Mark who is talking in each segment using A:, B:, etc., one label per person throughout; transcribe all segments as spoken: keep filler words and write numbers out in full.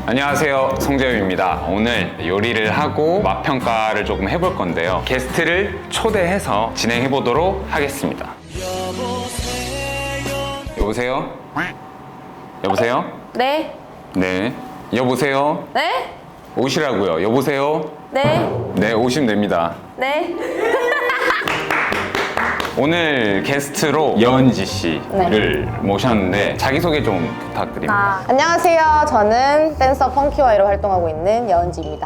A: 안녕하세요, 송재윤입니다. 오늘 요리를 하고 맛평가를 조금 해볼 건데요. 게스트를 초대해서 진행해 보도록 하겠습니다. 여보세요? 여보세요?
B: 네.
A: 네. 여보세요?
B: 네?
A: 오시라고요. 여보세요?
B: 네.
A: 네, 오시면 됩니다.
B: 네.
A: 오늘 게스트로 여은지 씨를
B: 네.
A: 모셨는데 자기소개 좀 부탁드립니다.
B: 아, 안녕하세요. 저는 댄서 펑키와이로 활동하고 있는 여은지입니다.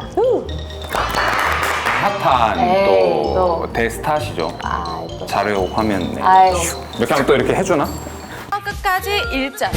A: 핫한
B: 에이,
A: 또
B: 또.
A: 대스타시죠.
B: 아, 또.
A: 자료 화면 네.
B: 아이.
A: 이렇게 하면 또 이렇게 해주나?
B: 끝까지 일자.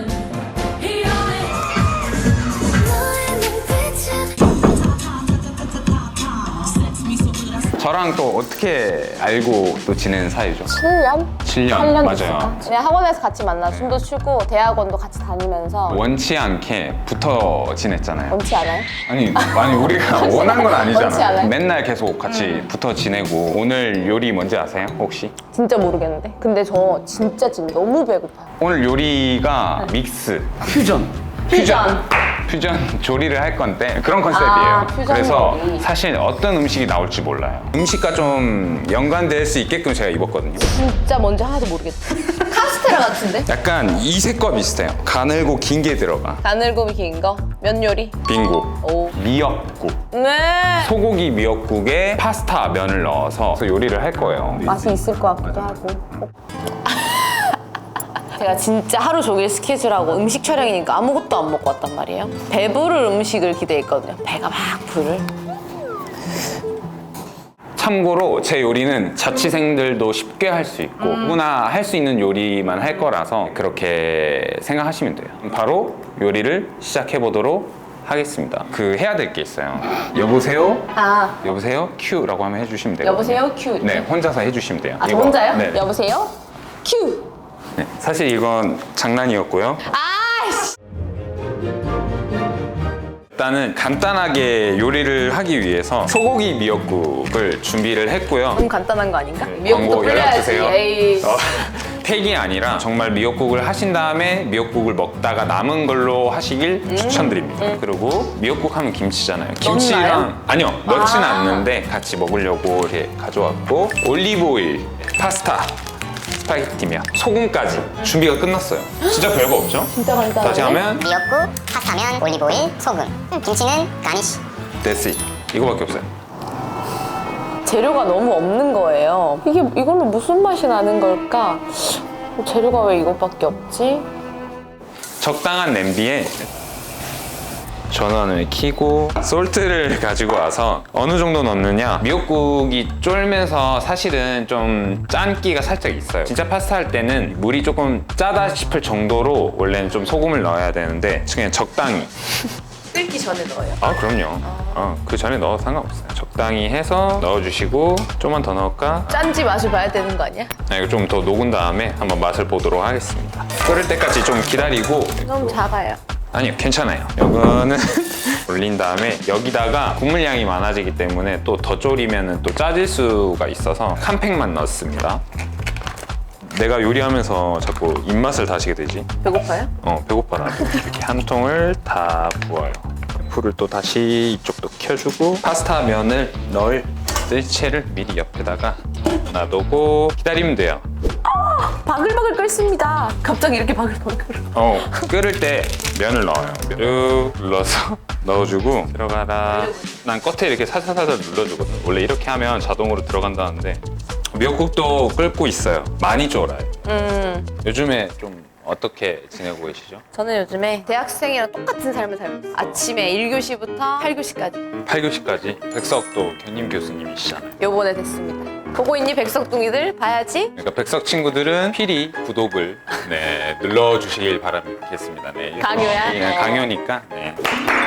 A: 저랑 또 어떻게 알고 또 지낸 사이죠?
B: 칠 년?
A: 칠 년,
B: 팔 년
A: 맞아요.
B: 됐을까? 그냥 학원에서 같이 만나 춤도 추고 대학원도 같이 다니면서
A: 원치 않게 붙어 지냈잖아요.
B: 원치 않아요?
A: 아니, 아니 우리가 원한 건
B: 원치
A: 아니잖아.
B: 않아요?
A: 맨날 계속 같이 붙어 지내고. 오늘 요리 뭔지 아세요? 혹시?
B: 진짜 모르겠는데. 근데 저 진짜 지금 너무 배고파요.
A: 오늘 요리가 믹스, 퓨전.
B: 퓨전.
A: 퓨전 조리를 할 건데 그런 컨셉이에요.
B: 아, 퓨전
A: 그래서
B: 요리.
A: 사실 어떤 음식이 나올지 몰라요. 음식과 좀 연관될 수 있게끔 제가 입었거든요.
B: 진짜 뭔지 하나도 모르겠어. 카스테라 같은데?
A: 약간 이색과 비슷해요. 가늘고 긴 게 들어가.
B: 가늘고 긴 거? 면 요리?
A: 빙고.
B: 오.
A: 미역국.
B: 네.
A: 소고기 미역국에 파스타 면을 넣어서 요리를 할 거예요.
B: 맛이 있을 것 같기도 하고. 제가 진짜 하루 종일 스케줄하고 음식 촬영이니까 아무것도 안 먹고 왔단 말이에요. 배부를 음식을 기대했거든요. 배가 막 부를.
A: 참고로 제 요리는 자취생들도 쉽게 할 수 있고 누구나 할 수 있는 요리만 할 거라서 그렇게 생각하시면 돼요. 바로 요리를 시작해 보도록 하겠습니다. 그 해야 될 게 있어요. 여보세요?
B: 아,
A: 여보세요? 큐라고 하면 해주시면 돼요.
B: 여보세요? 큐.
A: 네, 혼자서 해주시면 돼요.
B: 아, 저
A: 이거.
B: 혼자요?
A: 네.
B: 여보세요? 큐.
A: 네, 사실 이건 장난이었고요.
B: 아이씨.
A: 일단은 간단하게 요리를 하기 위해서 소고기 미역국을 준비를 했고요.
B: 너무 간단한 거 아닌가?
A: 네,
B: 미역국도
A: 광고 연락
B: 끓여야지.
A: 주세요.
B: 에이.
A: 어, 팩이 아니라 정말 미역국을 하신 다음에 미역국을 먹다가 남은 걸로 하시길
B: 음.
A: 추천드립니다. 그리고 미역국 하면 김치잖아요.
B: 넣나요?
A: 김치랑 아니요, 넣진
B: 아.
A: 않는데 같이 먹으려고 이렇게 가져왔고 올리브 오일, 파스타, 스파게티면 소금까지 준비가 끝났어요. 진짜 별거 없죠?
B: 진짜 간단하네.
A: 다시 하면
C: 미역국, 파스타면, 올리브오일, 소금. 음, 김치는 가니쉬.
A: that's it. 이거밖에 없어요.
B: 재료가 너무 없는 거예요. 이게 이걸로 무슨 맛이 나는 걸까? 재료가 왜 이것밖에 없지?
A: 적당한 냄비에 전원을 켜고 솔트를 가지고 와서 어느 정도 넣느냐, 미역국이 쫄면서 사실은 좀 짠기가 살짝 있어요. 진짜 파스타 할 때는 물이 조금 짜다 싶을 정도로 원래는 좀 소금을 넣어야 되는데 그냥 적당히.
B: 끓기 전에 넣어요.
A: 아 그럼요. 어, 그 전에 넣어도 상관없어요. 적당히 해서 넣어주시고 좀만 더 넣을까?
B: 짠지 맛을 봐야 되는 거 아니야?
A: 아, 이거 좀 더 녹은 다음에 한번 맛을 보도록 하겠습니다. 끓을 때까지 좀 기다리고.
B: 너무 작아요.
A: 아니요, 괜찮아요. 이거는 올린 다음에 여기다가 국물 양이 많아지기 때문에 또 더 졸이면 또 짜질 수가 있어서 한 팩만 넣습니다. 내가 요리하면서 자꾸 입맛을 다시게 되지.
B: 배고파요?
A: 어, 배고파 나도. 이렇게 한 통을 다 부어요. 불을 또 다시 이쪽도 켜주고 파스타 면을 넣을 뜰채를 미리 옆에다가 놔두고 기다리면 돼요.
B: 바글바글 끓습니다. 갑자기 이렇게 바글바글.
A: 어, 끓을 때 면을 넣어요. 쭉 눌러서 넣어주고 들어가라. 난 끝에 이렇게 살살살살 눌러주거든. 원래 이렇게 하면 자동으로 들어간다는데 미역국도 끓고 있어요. 많이 쫄아요.
B: 음,
A: 요즘에 좀 어떻게 지내고 계시죠?
B: 저는 요즘에 대학생이랑 똑같은 삶을 살고 있어요. 아침에 일 교시부터 팔 교시까지.
A: 팔 교시까지 백석도 견임 교수님이시잖아요.
B: 요번에 됐습니다. 보고 있니 백석둥이들? 봐야지.
A: 그러니까 백석 친구들은 필히 구독을 네, 눌러주시길 바라겠습니다. 네,
B: 강요야?
A: 네, 강요니까. 네.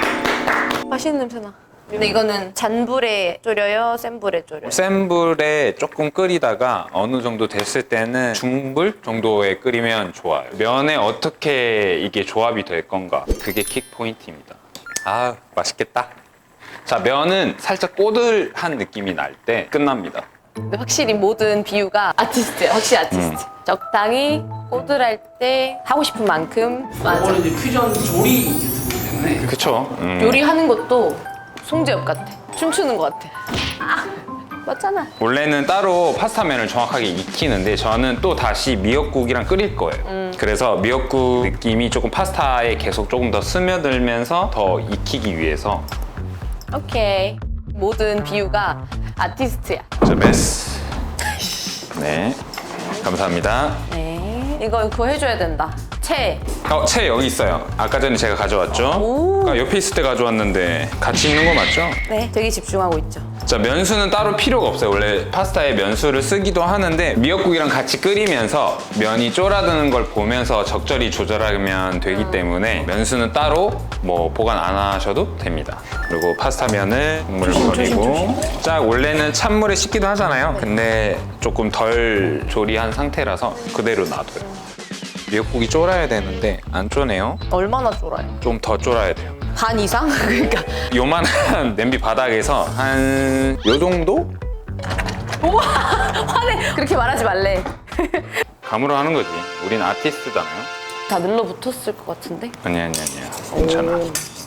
B: 맛있는 냄새 나. 근데 이거는 잔불에 졸여요? 센 불에 졸여요?
A: 센 불에 조금 끓이다가 어느 정도 됐을 때는 중불 정도에 끓이면 좋아요. 면에 어떻게 이게 조합이 될 건가, 그게 킥 포인트입니다. 아, 맛있겠다. 자, 면은 살짝 꼬들한 느낌이 날 때 끝납니다.
B: 근데 확실히 모든 비유가 아티스트예요. 확실히 아티스트. 적당히 꼬들할 때 하고 싶은 만큼. 맞아.
D: 이거는 이제 퓨전 조리 유튜브 때문에.
A: 그쵸. 음.
B: 요리하는 것도 송재엽 같아. 춤추는 것 같아. 아, 맞잖아.
A: 원래는 따로 파스타면을 정확하게 익히는데 저는 또 다시 미역국이랑 끓일 거예요.
B: 음.
A: 그래서 미역국 느낌이 조금 파스타에 계속 조금 더 스며들면서 더 익히기 위해서.
B: 오케이. 모든 비유가 아티스트야.
A: 자, 메스. 네. 감사합니다.
B: 네. 이거 그거 해줘야 된다. 채.
A: 어, 채 여기 있어요. 아까 전에 제가 가져왔죠?
B: 오.
A: 아까 옆에 있을 때 가져왔는데 같이 있는 거 맞죠?
B: 네. 되게 집중하고 있죠.
A: 자, 면수는 따로 필요가 없어요. 원래 파스타에 면수를 쓰기도 하는데 미역국이랑 같이 끓이면서 면이 쫄아드는 걸 보면서 적절히 조절하면 되기 때문에 면수는 따로 뭐 보관 안 하셔도 됩니다. 그리고 파스타면을 국물을 버리고 자, 원래는 찬물에 씻기도 하잖아요. 근데 조금 덜 조리한 상태라서 그대로 놔둬요. 미역국이 쫄아야 되는데 안 쫄네요.
B: 얼마나 쫄아요?
A: 좀 더 쫄아야 돼요.
B: 반 이상? 그러니까.
A: 요만한 냄비 바닥에서 한 요 정도?
B: 우와! 화내! 그렇게 말하지 말래.
A: 감으로 하는 거지. 우린 아티스트잖아요.
B: 다 눌러붙었을 것 같은데?
A: 아니야, 아니야, 아니야. 괜찮아.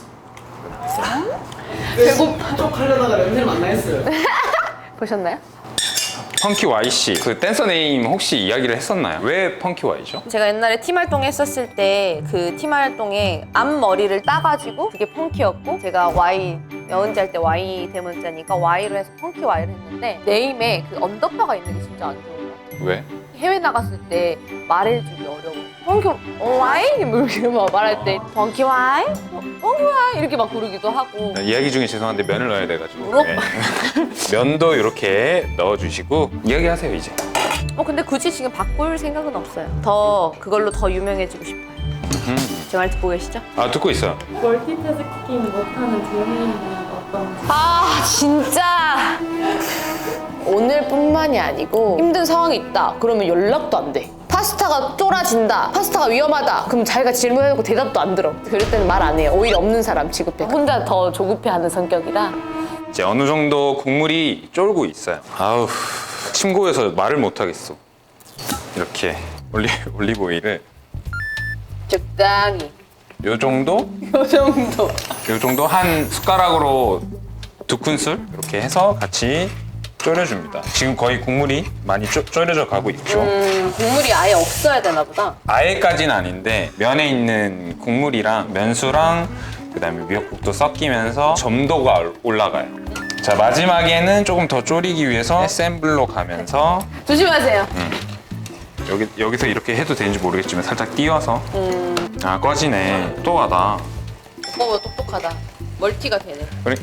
B: 배고파.
D: 쪽 하려다가 냄새를 만나 했어요.
B: 보셨나요?
A: 펑키 와이씨. 그 댄서 네임 혹시 이야기를 했었나요? 왜 펑키 와이죠?
B: 제가 옛날에 팀 활동 했었을 때 그 팀 활동에 앞머리를 따가지고 그게 펑키였고 제가 Y 여은지 할 때 Y 대문자니까 Y로 해서 펑키 Y를 했는데 네임에 그 언더바가 있는 게 진짜 안 좋은 것 같아요.
A: 왜?
B: 해외 나갔을 때 말해주기 어려워. 펑키 Y? 뭐 이렇게 막 말할 때 펑키 Y? 펑키 Y? 이렇게 막 부르기도 하고.
A: 이야기 중에 죄송한데 면을 넣어야 돼가지고.
B: 우럭?
A: 네. 면도 이렇게 넣어주시고 이야기하세요 이제.
B: 어 근데 굳이 지금 바꿀 생각은 없어요. 더 그걸로 더 유명해지고 싶어요. 제 말 듣고 계시죠?
A: 아, 듣고 있어요.
E: 멀티태스킹 못하는 재미는 어떤?
B: 아 진짜 오늘뿐만이 아니고 힘든 상황이 있다 그러면 연락도 안 돼. 파스타가 쫄아진다, 파스타가 위험하다 그럼 자기가 질문해놓고 대답도 안 들어. 그럴 때는 말 안 해요. 오히려 없는 사람 취급해. 혼자 더 조급해하는 성격이라.
A: 이제 어느 정도 국물이 쫄고 있어요. 아우, 침 고여서 말을 못 하겠어. 이렇게 올리 올리브 오일을
B: 적당히
A: 요 정도?
B: 요 정도.
A: 요 정도 한 숟가락으로 두 큰술 이렇게 해서 같이 졸여줍니다. 지금 거의 국물이 많이 쪼, 졸여져 가고 있죠.
B: 음 국물이 아예 없어야 되나 보다.
A: 아예까지는 아닌데 면에 있는 국물이랑 면수랑 그다음에 미역국도 섞이면서 점도가 올라가요. 자, 마지막에는 조금 더 졸이기 위해서 샘블로 가면서
B: 조심하세요.
A: 여기, 여기서 이렇게 해도 되는지 모르겠지만 살짝 띄워서
B: 음
A: 아, 꺼지네. 똑똑하다.
B: 오빠 똑똑하다. 멀티가 되네.
A: 그래?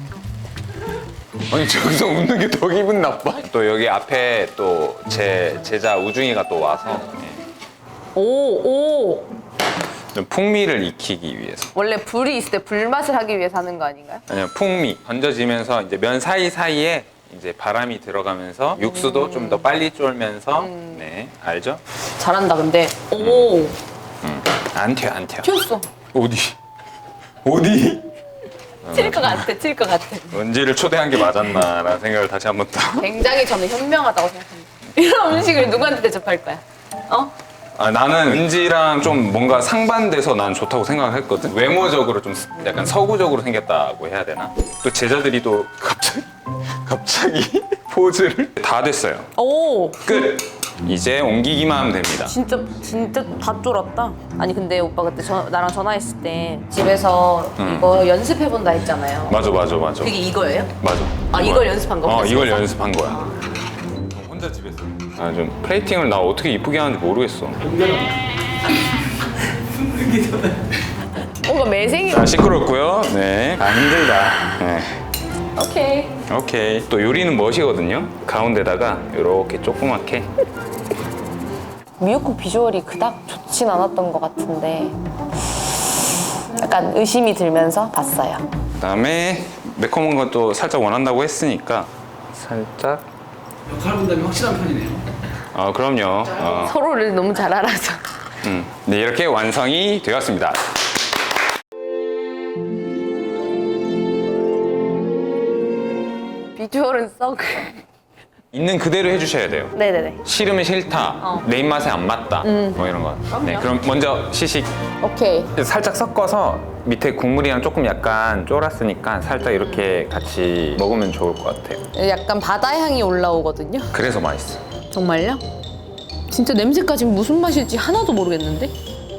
A: 아니, 저기서 웃는 게 더 기분 나빠. 또 여기 앞에 또 제 제자 우중이가 또 와서 예,
B: 오 오.
A: 좀 풍미를 익히기 위해서.
B: 원래 불이 있을 때 불맛을 하기 위해서 하는 거 아닌가요?
A: 아니요, 풍미 던져지면서 이제 면 사이 사이에 이제 바람이 들어가면서 육수도 좀 더 빨리 쫄면서 네, 알죠?
B: 잘한다 근데. 오
A: 음, 안 튀어, 안 튀어.
B: 튀었어.
A: 어디? 어디?
B: 칠 것 같아, 칠 것 같아.
A: 은지를 초대한 게 맞았나라는 생각을 다시 한번 더.
B: 굉장히 저는 현명하다고 생각합니다. 이런 음식을 누구한테 대접할 거야? 어?
A: 아, 나는 은지랑 좀 뭔가 상반돼서 난 좋다고 생각했거든. 외모적으로 좀 약간 서구적으로 생겼다고 해야 되나? 또 제자들이 또 갑자기 갑자기 포즈를 다 됐어요.
B: 오
A: 끝. 이제 옮기기만 하면 됩니다.
B: 진짜 진짜 다 쫄았다. 아니 근데 오빠 그때 저, 나랑 전화했을 때 집에서
A: 음.
B: 이거 연습해 본다 했잖아요.
A: 맞아, 맞아, 맞아.
B: 그게 이거예요?
A: 맞아.
B: 아, 이걸 연습한 거구나,
A: 어, 이걸
B: 집에서?
A: 연습한 거야. 혼자 집에서. 아, 좀 플레이팅을 나 어떻게 이쁘게 하는지 모르겠어.
B: 뭔가 매생이.
A: 자, 시끄럽고요. 네. 아, 힘들다. 네.
B: 오케이.
A: 오케이. 또 요리는 멋이거든요. 가운데다가 이렇게 조그맣게.
B: 미역국 비주얼이 그닥 좋진 않았던 것 같은데 약간 의심이 들면서 봤어요.
A: 그다음에 매콤한 것도 살짝 원한다고 했으니까 살짝.
D: 역할 분담이 확실한 편이네요.
A: 어, 그럼요. 어.
B: 서로를 너무 잘 알아서.
A: 음. 네, 이렇게 완성이 되었습니다.
B: 비주얼은 썩.
A: 있는 그대로 해주셔야 돼요.
B: 네네네.
A: 싫으면 싫다.
B: 어.
A: 내 입맛에 안 맞다. 뭐 이런 거. 네, 그럼 먼저 시식.
B: 오케이.
A: 살짝 섞어서 밑에 국물이랑 조금 약간 쫄았으니까 살짝 이렇게 같이 먹으면 좋을 것 같아요.
B: 약간 바다 향이 올라오거든요.
A: 그래서 맛있어.
B: 정말요? 진짜 냄새까지 무슨 맛일지 하나도 모르겠는데?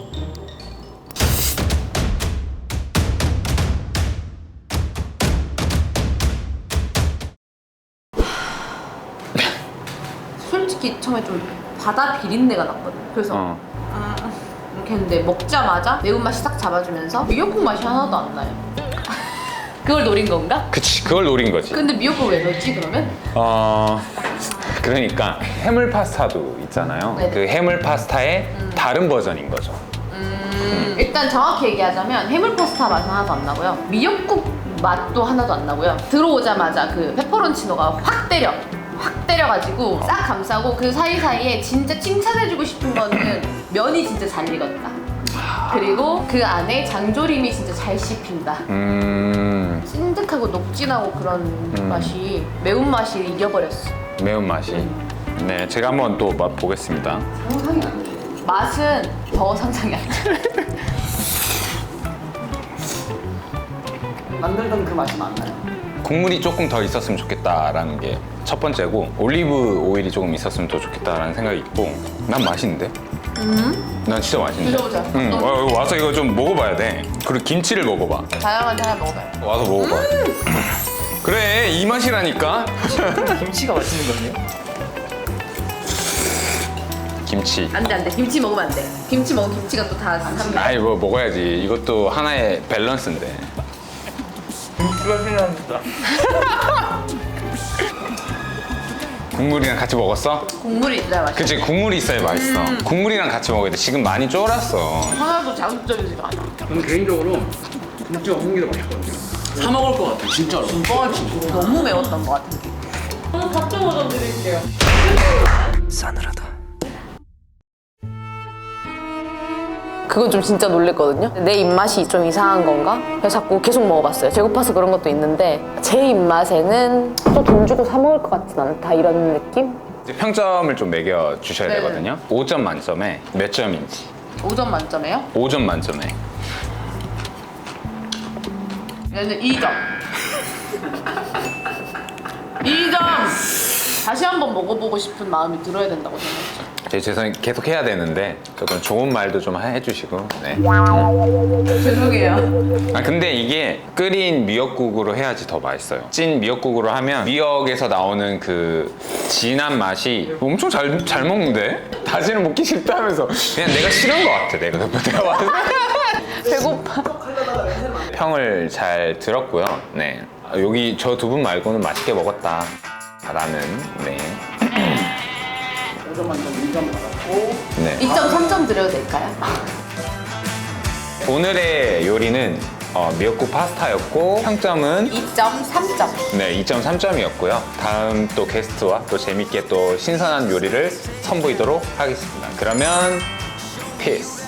B: 솔직히 처음에 좀 바다 비린내가 났거든. 그래서
A: 어.
B: 아, 이렇게 했는데 먹자마자 매운맛이 싹 잡아주면서 미역국 맛이 하나도 안 나요. 그걸 노린 건가?
A: 그치, 그걸 노린 거지.
B: 근데 미역국 왜 넣었지 그러면?
A: 어, 그러니까 해물 파스타도 있잖아요.
B: 네네.
A: 그 해물 파스타의 다른 버전인 거죠.
B: 음, 일단 정확히 얘기하자면 해물 파스타 맛은 하나도 안 나고요. 미역국 맛도 하나도 안 나고요. 들어오자마자 그 페퍼론치노가 확 때려. 확 때려가지고 싹 감싸고 그 사이사이에 진짜 칭찬해주고 싶은 거는 면이 진짜 잘 익었다. 그리고 그 안에 장조림이 진짜 잘 씹힌다.
A: 음,
B: 찐득하고 녹진하고 그런 맛이 매운맛이 이겨버렸어.
A: 매운맛이. 네, 제가 한번 또 맛보겠습니다.
B: 상상이 안 돼. 맛은 더 상상이 안 돼.
D: 만들던 그 맛이 맞나요?
A: 국물이 조금 더 있었으면 좋겠다라는 게 첫 번째고, 올리브 오일이 조금 있었으면 더 좋겠다라는 생각이 있고, 난 맛있는데? 난 진짜 맛있는데?
B: 드셔보자.
A: 응,
B: 또.
A: 와, 와서 이거 좀 먹어봐야 돼. 그리고 김치를 먹어봐.
B: 다양한 하나 먹어봐요.
A: 와서 먹어봐. 그래, 이 맛이라니까?
F: 김치가 맛있는 거네요.
A: 김치.
B: 안 돼, 안 돼. 김치 먹으면 안 돼. 김치 먹으면 김치가 또 다 삼켜.
A: 아이, 뭐 먹어야지. 이것도 하나의 밸런스인데.
F: 김치가 필요합니다.
A: 국물이랑 같이 먹었어?
B: 국물이 진짜 맛있어.
A: 그치, 국물이 있어야 맛있어. 국물이랑 같이 먹어야 돼. 지금 많이 쫄았어.
B: 하나도 자극적이지가 않아.
D: 저는 개인적으로 김치가 먹는 게 더 맛있거든요. 사 먹을 것 같아, 진짜로. 진짜.
B: 너무 매웠던 것 같은 느낌.
E: 저는 각종 버전 드릴게요.
F: 싸늘하다.
B: 그건 좀 진짜 놀랬거든요. 내 입맛이 좀 이상한 건가? 그래서 자꾸 계속 먹어봤어요. 배고파서 그런 것도 있는데 제 입맛에는 또 돈 주고 사 먹을 것 같진 않다 이런 느낌?
A: 이제 평점을 좀 매겨 주셔야
B: 네네.
A: 되거든요. 오 점 만점에 몇 점인지.
B: 오 점 만점에요?
A: 오 점 만점에.
B: 얘는 이 점. 이 점! 다시 한번 먹어보고 싶은 마음이 들어야 된다고 생각했죠.
A: 제 죄송해요. 계속 해야 되는데 조금 좋은 말도 좀 해주시고. 네.
B: 죄송해요.
A: 아 근데 이게 끓인 미역국으로 해야지 더 맛있어요. 찐 미역국으로 하면 미역에서 나오는 그 진한 맛이 엄청 잘, 잘 먹는데? 다시는 먹기 싫다면서 그냥 내가 싫은 것 같아. 내가 내가 와서.
B: 배고파.
A: 평을 잘 들었고요. 네. 아, 여기 저 두 분 말고는 맛있게 먹었다. 라는 네.
D: 오 점 만점 이 점 받았고.
A: 네.
B: 이 점 삼 점 드려도 될까요?
A: 오늘의 요리는 어, 미역국 파스타였고 평점은
B: 이 점 삼 점.
A: 네, 이 점 삼 점이었고요. 다음 또 게스트와 또 재밌게 또 신선한 요리를 선보이도록 하겠습니다. 그러면 피스.